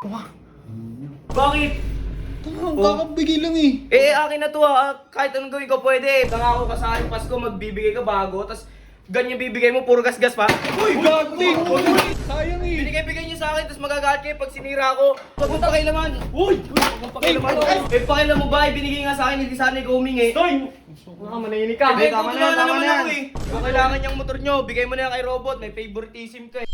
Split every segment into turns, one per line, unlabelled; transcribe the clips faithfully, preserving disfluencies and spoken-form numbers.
Kuha.
Bakit?
Ang kakabigay lang eh.
Eh, akin na to ha. Kahit anong gawin ko pwede. Nangako ka sa akin, Pasko, magbibigay ka bago. Tapos, ganyan bibigay mo, puro gas-gas pa.
Uy, gagawin! Sayang eh.
Binigay-bigay niyo sa akin, tapos magagalit kayo pag sinira ko. Huwag mong pakialaman. Uy! Huwag mong pakialaman. Eh, pakialam mo ba? Binigay nga sa akin, hindi sana ikaw humingi. Stoy! Mga manahimik ka.
Eh, tama na yan, tama na yan.
Eh. Kung kailangan niyang motor niyo, bigay mo na yan kay Robot. May favoritism ka eh.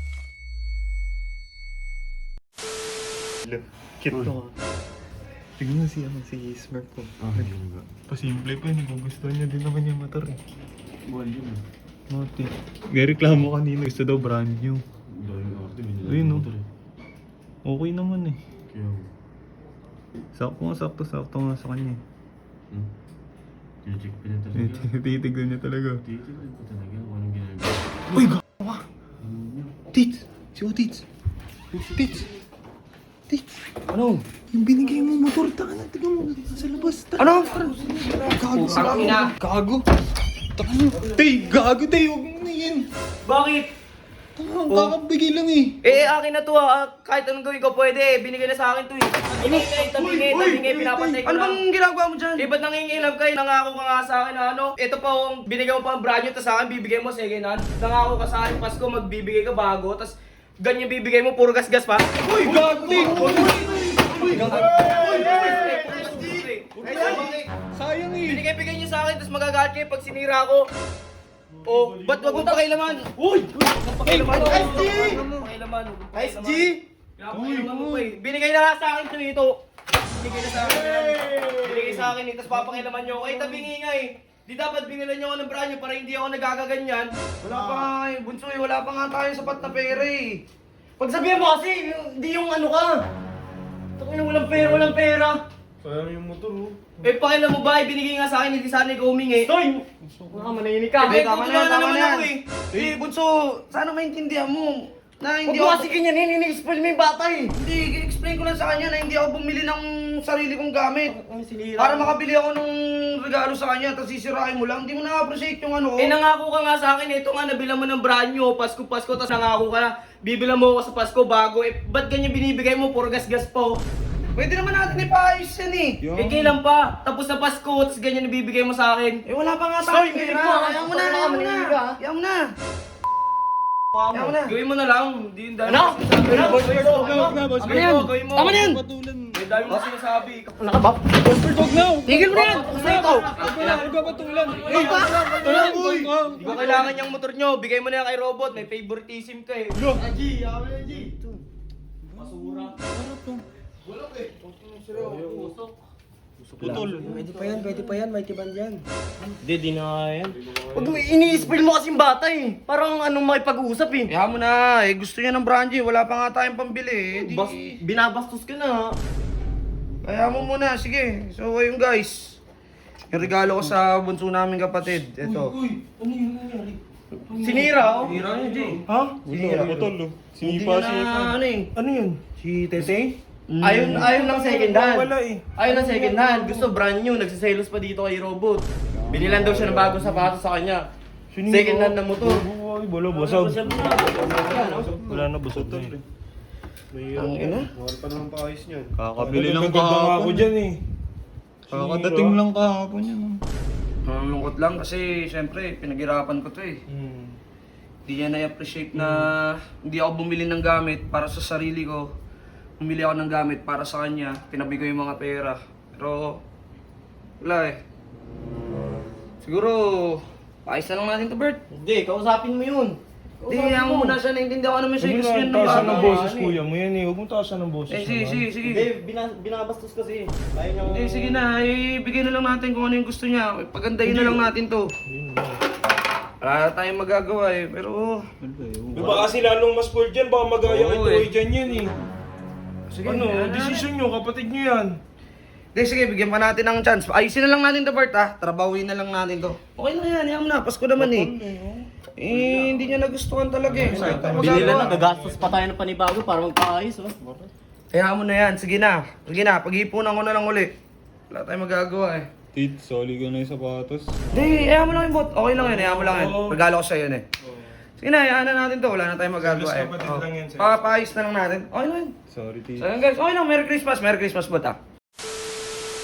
Cute to. Tignan mo si, ano, si Smurf ko.
Ah, yun ba?
Pasimple pa yun. Gugustuhan niya din naman yung motor eh.
Buwan yun ah.
Mati. May reklamo kanina. Gusto daw brand new.
Dahil arte, binila
Ayun,
ng
no?
motor eh.
Okay naman eh.
Kaya,
Sakto nga, sakto, sakto nga sa kanya eh.
hmm. Tinicheck pa niya talaga.
Titignan niya talaga.
Titignan ko talaga kung anong ginagawa.
Uy, gawa!
Ano yun?
Tits! Si O Tits! Tits! Tits!
Ano?
Yung binigay mo motor, taka na, tignan mo, sa labas. Taka.
Ano?
Gago sa
Ang ina.
Gago! Taka na. Tay, gago tay, huwag mo na yan.
Bakit?
Taka, ang kakabigay lang eh.
Eh, akin na to ha. Kahit anong gawin ko pwede. Binigay na sa akin to eh. Tabingay, tabingay, tabingay, pinapatay ko
Ano
lang.
bang ginagawa mo dyan?
Eh, ba't nangingilam kayo? Nangako ka nga sa akin na ano? Ito pa ang binigay mo pa ang brand new, tapos sa akin bibigay mo second hand. Nangako ka sa akin, Pasko, magbibigay ka bago, tapos ganyan bibigay mo, puro gas-gas pa.
Uy, gago tay! Sayang eh.
Binigay-bigay niyo sa akin, tapos magagalit kayo pag sinira ko. Oh, ba't wag mong pakialaman? Uy! Wag mong pakialaman.
S G!
Wag mong pakialaman.
S G!
Pinapakailaman mo pa eh. Binigay na lang sa akin ito ito. Binigay na sa akin yan. Binigay sa akin eh, tapos papakialaman niyo ako. Eh, tabingi nga eh. Di dapat bingilan niyo ako ng brand new para hindi ako nagagaganyan.
Wala pa nga eh, bunso eh, wala pa nga tayong sapat na pera eh.
Pagsabihan mo kasi, hindi yung ano ka. Takot na walang pera, walang pera.
Sayang yung motor oh.
Eh, pakialam mo ba? Ibinigay nga sa akin, hindi sana ikaw humingi. Stoy! Mga manahimik ka.
Eh, tama na yan, tama na yan.
Ako, eh.
Eh, bunso, sana maintindihan mo. Na
Huwag
hindi
mo
ako...
kasi ganyan, ini-explain mo yung bata eh.
Hindi, explain ko lang sa kanya na hindi ako bumili ng sarili kong gamit.
Ang sinira.
Para makabili ako ng regalo sa kanya, tapos sisirain mo lang. Hindi mo na-appreciate yung ano.
Eh, nangako ka nga sa akin, ito nga, nabilang mo ng brand new, Pasko, Pasko, tapos nangako ka na, bibilang mo ako sa Pasko bago, eh, ba't ganyan binibigay mo, puro gas-gas pa, oh.
Pwede naman natin ipaayos yan eh.
Eh, kailan pa? Tapos na Pasko, tapos ganyan nabibigay mo sa akin.
Eh, wala pa nga
Stoy,
tayong
hindi
pera.
ko, ah.
Ayaw mo na,
Tama,
ayaw mo na.
manahimik ka, ah.
Ayaw mo na.
Ayaw
mo na.
Gawin mo na lang, hindi yung dahil
Ano?
mo sinasabi.
Ano?
Boss,
Boss,
Bird,
wag na, wag na, boss,
Ano
Bird.
yan? Gawin mo.
Tama na yan.
Patulan.
May dahil mo sinasabi.
Nakabap?
Buster dog na!
Tigil mo na yan. Kasi ikaw.
Huwag mo na, huwag ka patulan.
Ay, ba?
Tulan, boy!
Hindi ko kailangan yung motor nyo, bigay mo na yan kay Robot, may favoritism ka eh.
Yo!
G, yaman na G. Masura.
Putol.
Pwede pa yan, pwede pa yan, may tiban dyan.
Hindi, di na kaya yan. Huwag mo, ini-spill mo kasing bata eh. Parang anong makipag-uusap eh.
Kaya mo na. Eh, gusto niya ng brand new. Wala pa nga tayong pambili eh. Di...
Bas, binabastos ka na.
Kaya mo muna. Sige. So, ayun guys. Yung regalo ko sa bunso namin kapatid. Ito.
Sinira oh.
Hira niya, Jay.
Ha?
Sinira.
Putol, oh.
Hindi
Sinipa
niya
siya.
na ano eh.
Ano yun? Si Tete?
Ayun, ayun ng second hand.
Wala eh.
Ayun ng second hand. Gusto brand new. Nagsiselos pa dito kay Robot. Binilan daw siya ng bagong sapatos sa kanya. Second hand na motor.
Ay, wala, basag. Wala na, basag na eh.
Ang ina.
Mahal pa naman paayos niyan.
Kakabili lang
Nagaganda nga
kahapon
ako dyan eh.
Kakadating lang kahapon yan. oh.
Malungkot lang kasi syempre pinaghirapan ko to eh.
Hmm.
Hindi niya na-appreciate na hindi ako bumili ng gamit para sa sarili ko. Bumili ako ng gamit para sa kanya. Tinabi ko yung mga pera. Pero wala eh. Siguro paayos na lang natin to, Bert.
Hindi, kausapin mo yun.
Hindi, ayaw mo muna siya. Naintindihan ko naman siya.
Huwag mo
Gusto
na
niya ng
taasan ng
bago.
boses kuya mo yan eh. Huwag mo taasan ng boses
Eh, sige,
naman.
sige, sige.
Hindi, bina- binabastos kasi. Ayaw niya.
Eh, sige na. Eh, bigyan na lang natin kung ano yung gusto niya. Pagandahin na lang natin to.
Yun lang.
Wala na tayong magagawa eh. Pero,
Di ba kasi lalong mas cool dyan, baka magaya
Oo,
kay Troy
eh.
dyan yan eh.
sige.
Ano,
yan na.
desisyon nyo, kapatid nyo yan.
Hindi, sige, bigyan pa natin ng chance. Ayusin na lang natin to, Bert, ha? Trabawin na lang natin to. Okay na yan, yan mo na. Pasko naman eh. Eh, hindi niya nagustuhan talaga eh. Wala tayong
Binila na,
magagawa.
gagastos pa tayo ng panibago para magpaayos oh.
Kaya mo na yan. Sige na. Sige na. Pag-iipunan ko na lang uli. Wala tayong magagawa eh.
Tit, soli ka na yung sapatos.
Hindi, ayaw mo lang yung bot. Okay lang yun, ayaw mo lang yun. Regalo ko sa'yo yun eh. Sige na, hayaan na natin to. Wala na tayong magagawa
Selos
eh.
kapatid
Oh.
lang yan, selos.
Papayos na lang natin. Okay lang.
Sorry,
So yun guys, okay lang. Merry Christmas, Merry Christmas bata.